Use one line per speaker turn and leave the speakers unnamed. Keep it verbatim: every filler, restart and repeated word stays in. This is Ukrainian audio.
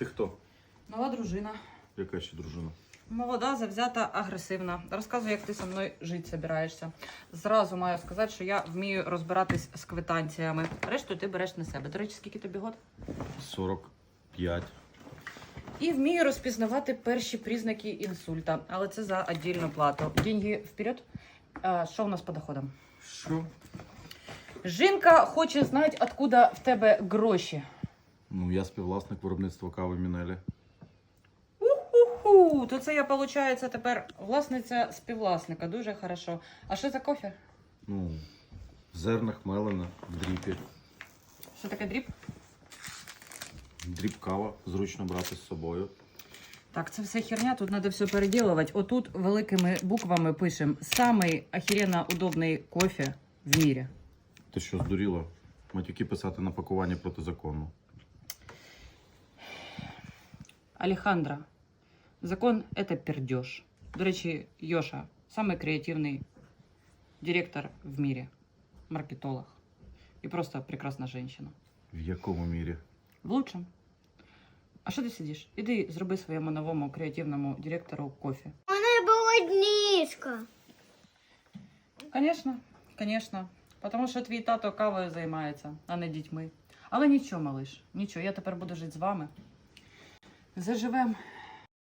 Ти хто?
Нова дружина.
Яка ще дружина?
Молода, завзята, агресивна. Розказуй, як ти зі мною жити збираєшся. Зразу маю сказати, що я вмію розбиратись з квитанціями. Решту ти береш на себе. До речі, скільки тобі год?
сорок п'ять.
І вмію розпізнавати перші признаки інсульта. Але це за віддільну плату. Деньги вперед. А, що у нас по доходам?
Що?
Жінка хоче знати, откуда в тебе гроші.
Ну, я співвласник виробництва кави Мінелі.
Уху, то це я, виходить, тепер власниця співвласника. Дуже хорошо. А що за кофе?
Ну, в зернах мелена, в дріпі.
Що таке дріб?
Дріб кава, зручно брати з собою.
Так, це все херня, тут треба все переділувати. Отут великими буквами пишемо «Самий охеренно удобний кофе в мірі».
Ти що, здуріла? Матюки писати на пакуванні протизаконно.
Алехандро, закон – це пердеж. До речі, Йоша – самий креативний директор в мірі, маркетолог. І просто прекрасна жінка.
В якому мірі?
В лучшем. А що ти сидиш? Іди зроби своєму новому креативному директору кофе.
У мене болодніжка.
Звісно, звісно. Тому що твій тато кавою займається, а не дітьми. Але нічого, малиш, нічого, я тепер буду жити з вами. Заживемо